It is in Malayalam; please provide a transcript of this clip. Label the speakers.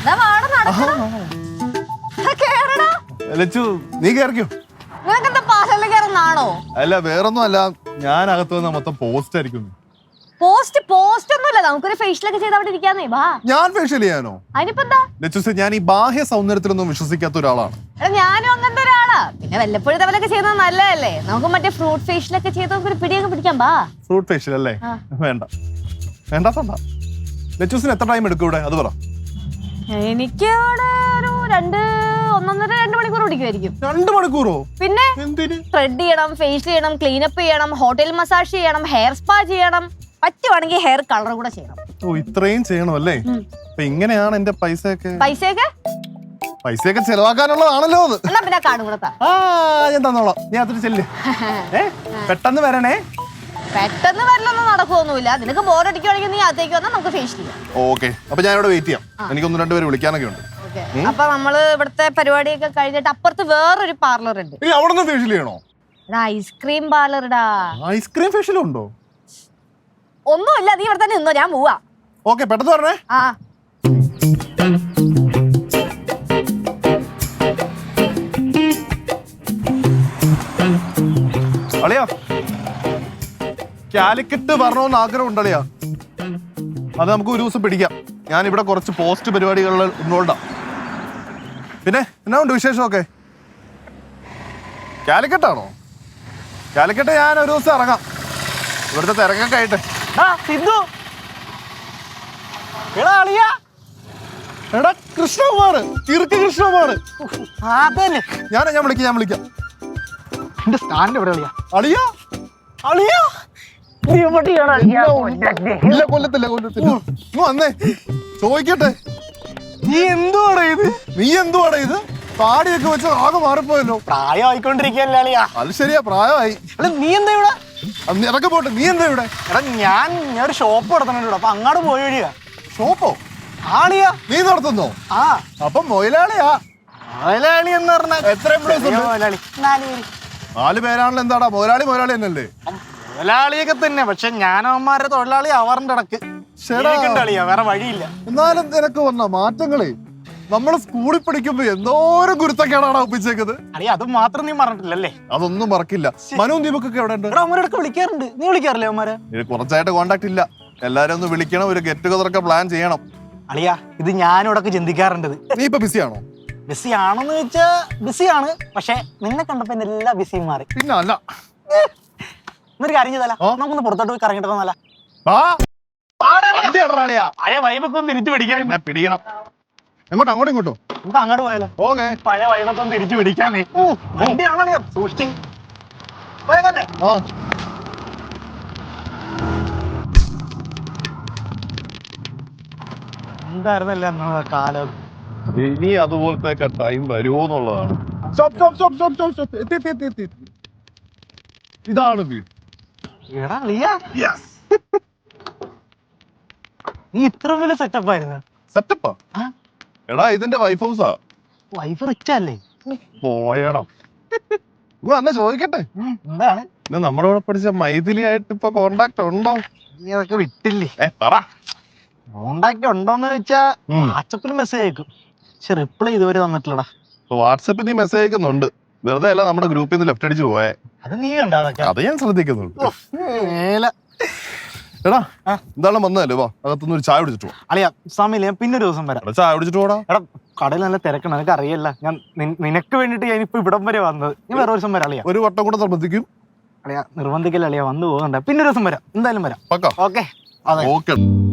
Speaker 1: നീ കേറിക്കോ. അല്ല വേറൊന്നും അല്ല, ഞാൻ അകത്ത് വന്ന മൊത്തം പോസ്റ്റ് ആയിരിക്കും.
Speaker 2: പോസ്റ്റ് ഒന്നുമില്ല, നമുക്കൊരു ഫേഷ്യലൊക്കെ ചെയ്ത് അവിടെ ഇരിക്കാന്നേ. വാ.
Speaker 1: ഞാൻ ഫേഷ്യൽ ചെയ്യാനോ?
Speaker 2: അതിനിപ്പെന്താ?
Speaker 1: ഞാൻ ഈ ബാഹ്യ സൗന്ദര്യത്തിലൊന്നും വിശ്വസിക്കാത്ത ഒരാളാണ്.
Speaker 2: ഞാനും അങ്ങനത്തെ ഒരാളാ. പിന്നെ വല്ലപ്പോഴും തവലൊക്കെ ചെയ്യുന്നത് നല്ലതല്ലേ. നമുക്ക് മറ്റേ ഫ്രൂട്ട് ഫേഷ്യലൊക്കെ ചെയ്ത് നമുക്കൊരു പിടിയൊക്കെ പിടിക്കാം. ബാ.
Speaker 1: ഫ്രൂട്ട് ഫേഷ്യൽ അല്ലേ? വേണ്ട വേണ്ടാത്തണ്ട. ലച്ചൂസിന് എത്ര ടൈം എടുക്കും ഇവിടെ? അത് പറ.
Speaker 2: എനിക്ക് ഇവിടെ ഒരു 1.5-2 മണിക്കൂർ പിടിക്കുമായിരിക്കും.
Speaker 1: 2 മണിക്കൂറോ? പിന്നെ
Speaker 2: ത്രെഡ് ചെയ്യണം, ഫേഷ്യൽ ചെയ്യണം, ക്ലീനപ്പ് ചെയ്യണം, ഹോട്ടൽ മസാജ് ചെയ്യണം, ഹെയർ സ്പാ ചെയ്യണം, പറ്റുവാണെങ്കിൽ ഹെയർ കളർ കൂടെ ചെയ്യണം.
Speaker 1: ഓ, ഇത്രയും ചെയ്യണം അല്ലേ? അപ്പൊ ഇങ്ങനെയാണ് എന്റെ പൈസയൊക്കെ ചെലവാക്കാനുള്ളതാണല്ലോ അത്.
Speaker 2: പിന്നെ കാർഡ് കൂടെ
Speaker 1: ഞാൻ തന്നോളാം. നീ അതിന് ചെല്ല്. പെട്ടെന്ന് വരണേ.
Speaker 2: പെട്ടെന്ന് വരലൊന്നും നടക്കുമൊന്നുമില്ല. നിനക്ക് ബോറടിക്കുവാണെങ്കിൽ നീ അതേക്ക് വന്നാൽ നമുക്ക് ഫേഷ്യൽ ചെയ്യാം.
Speaker 1: ഓക്കെ, അപ്പൊ ഞാൻ ഇവിടെ വെയിറ്റ് ചെയ്യാം. എനിക്ക് 1-2 പേര് വിളിക്കാനൊക്കെ ഉണ്ട്.
Speaker 2: അപ്പൊ നമ്മള് ഇവിടുത്തെ പരിപാടിയൊക്കെ കഴിഞ്ഞിട്ട് അപ്പുറത്ത് വേറൊരു പാർലർ ഉണ്ട്.
Speaker 1: അവിടെ ഫേഷ്യൽ ചെയ്യണോ?
Speaker 2: ഐസ്ക്രീം പാർലർടാ.
Speaker 1: ഐസ്ക്രീം ഫേഷ്യൽ ഉണ്ടോ?
Speaker 2: ഒന്നുമില്ല, നീ ഇവിടെ തന്നെ നിന്നോ, ഞാൻ പോവാ.
Speaker 1: ഓക്കെ, പെട്ടെന്ന് പറഞ്ഞേ. അളിയാ, കാലിക്കറ്റ് വരണമെന്ന് ആഗ്രഹം ഉണ്ടളിയാ. അത് നമുക്ക് ഒരു ദിവസം പിടിക്കാം. ഞാൻ ഇവിടെ കുറച്ച് പോസ്റ്റ് പരിപാടികളിൽ ഇൻവോൾവാ. പിന്നെ എന്നാ ഉണ്ട് വിശേഷമൊക്കെ? കാലിക്കറ്റാണോ? കാലിക്കറ്റ് ഞാൻ ഒരു ദിവസം ഇറങ്ങാം. ഇവിടുത്തെ തിരക്കൊക്കെ ആയിട്ട്. എടാ കൃഷ്ണകുമാർ, കിറുക്ക് കൃഷ്ണകുമാർ. ഞാൻ വിളിക്കാം.
Speaker 3: എന്റെ സ്റ്റാൻഡ് എവിടെ?
Speaker 1: അളിയാ കൊല്ലത്തില്ല. വന്നേ ചോദിക്കട്ടെ, നീ എന്തുവാടാ ഇത്? താടിയൊക്കെ വെച്ച് ആകെ മാറിപ്പോയല്ലോ.
Speaker 3: പ്രായമായിക്കൊണ്ടിരിക്കല്ലേ അളിയാ?
Speaker 1: അത് ശരിയാ, പ്രായമായി.
Speaker 3: നീ എന്താ ഇവിടെ?
Speaker 1: ഇറക്കെ പോട്ടെ, നീ എന്താ ഇവിടെ?
Speaker 3: എടാ ഞാൻ ഒരു ഷോപ്പ് നടത്തുന്നുണ്ട്. അപ്പൊ അങ്ങോട്ട് പോയി വഴിയാ.
Speaker 1: ഷോപ്പോ?
Speaker 3: ആളിയാ.
Speaker 1: നീ നടത്തുന്നോ? അപ്പൊ മൊയിലാളിയാ?
Speaker 3: മൊയിലാളി എന്ന് പറഞ്ഞാൽ
Speaker 1: എത്ര എംപ്ലോയീസ് ഉണ്ട്? 4 പേരാണല്ലോ. എന്താടാ മൊയിലാളി എന്നല്ലേ?
Speaker 3: മുതലാളിയൊക്കെ തന്നെ, പക്ഷെ ഞാനവന്മാരുടെ തൊഴിലാളി അവരുടെ ഇടക്ക് കളിയാ, വേറെ വഴിയില്ല.
Speaker 1: എന്നാലും നിനക്ക് വന്ന മാറ്റങ്ങളെ നമ്മള് സ്കൂളിൽ പഠിക്കുമ്പോ എന്തോരം ഗുരുത്തക്കേടാണ് ഒപ്പിച്ചേക്കുന്നത്.
Speaker 3: അളിയ അത് മാത്രം നീ മറന്നിട്ടില്ലല്ലേ?
Speaker 1: അതൊന്നും മറക്കില്ല. മനു ദീപക്കൊക്കെ എവിടെ ഉണ്ട്?
Speaker 3: അവന്മാരൊക്കെ വിളിക്കാറുണ്ട്. നീ വിളിക്കാറില്ലേ അവന്മാരെ?
Speaker 1: കുറച്ചായിട്ട് കോണ്ടാക്ട് ഇല്ല. എല്ലാരും ഒന്ന് വിളിക്കണം, ഒരു ഗെറ്റ് ടുഗദർ ഒക്കെ പ്ലാൻ ചെയ്യണം.
Speaker 3: അളിയ ഇത് ഞാനും ഇടക്ക് ചിന്തിക്കാറുണ്ട്.
Speaker 1: നീ ഇപ്പൊ ബിസിയാണോ?
Speaker 3: ബിസി ആണോന്ന് ചോദിച്ചാ ബിസിയാണ്, പക്ഷെ നിന്നെ കണ്ടപ്പോ എല്ലാ ബിസിയും മാറി.
Speaker 1: പിന്നെ അല്ല,
Speaker 3: എന്നൊരു കാര്യം ചെയ്താലോ, നമുക്കൊന്ന് പുറത്തോട്ട് പോയി കറങ്ങിട്ടല്ല? പഴയ വൈബൊക്കെ തിരിച്ചു പിടിക്കാൻ.
Speaker 1: പിടിക്കണം. എങ്ങോട്ടോ? ഇങ്ങോട്ടോ?
Speaker 3: നമുക്ക് അങ്ങോട്ട് പോയാലോ? ഓക്കെ, പഴയ വൈബൊക്കെ തിരിച്ചു പിടിക്കാനേ. സൂക്ഷിച്ച് എന്തായിരുന്നല്ലേ കാലം.
Speaker 1: ഇനി അതുപോലത്തെ ടൈം വരുമോ എന്നുള്ളതാണ്. ഇതാണ് വീട്.
Speaker 3: നീ ഇത്ര വലിയ സെറ്റപ്പ് ആയിരുന്നു?
Speaker 1: സെറ്റപ്പാ? എടാ ഇതിന്റെ വൈഫ് ഹൗസാ.
Speaker 3: വൈഫ് റിച്ച് അല്ലേ?
Speaker 1: പോയടാ. അന്ന് ചോദിക്കട്ടെ,
Speaker 3: എന്താണ്
Speaker 1: നമ്മുടെ കൂടെ പഠിച്ച മൈഥിലി ആയിട്ട് ഇപ്പൊ കോണ്ടാക്ട് ഉണ്ടോ?
Speaker 3: നീ അതൊക്കെ വിട്ടില്ലേ?
Speaker 1: പറ.
Speaker 3: കോണ്ടാക്ട് ഉണ്ടോന്ന് ചോദിച്ചാ വാട്സപ്പിൽ മെസ്സേജ് അയക്കും, പക്ഷെ റിപ്ലൈ ഇതുവരെ തന്നിട്ടില്ലടാ.
Speaker 1: വാട്സപ്പിൽ നീ മെസ്സേജ് അയക്കുന്നുണ്ട്, വെറുതെ അല്ല നമ്മുടെ ഗ്രൂപ്പിൽ നിന്ന് ലെഫ്റ്റ് അടിച്ച് പോയേ.
Speaker 3: അത് നീ കണ്ടാ?
Speaker 1: അത് ഞാൻ ശ്രദ്ധിക്കുന്നുണ്ട്. എടാ എന്താണ് വന്നതല്ലേ? വാ, അകത്തുനിന്ന് ഒരു ചായ കുടിച്ചിട്ട് പോവാ.
Speaker 3: അളിയാ സമയമില്ല, ഞാൻ പിന്നെ ഒരു ദിവസം വരാം.
Speaker 1: ചായ കുടിച്ചിട്ട് പോടാ.
Speaker 3: എടാ കടയിൽ നല്ല തിരക്കണം, നിനക്ക് അറിയില്ല. ഞാൻ നിനക്ക് വേണ്ടിട്ട് ഞാൻ ഇപ്പൊ ഇവിടം വരെ വന്നത്. ഞാൻ വേറെ ഒരു ദിവസം വരാം. അളിയാ
Speaker 1: ഒരു വട്ടം കൂടെ നിർബന്ധിക്കും.
Speaker 3: അളിയാ നിർബന്ധിക്കല്ല അളിയാ, വന്നു പോകുന്നുണ്ട്. പിന്നെ ഒരു ദിവസം വരാം, എന്തായാലും വരാം.
Speaker 1: ഓക്കെ.
Speaker 3: അതെ.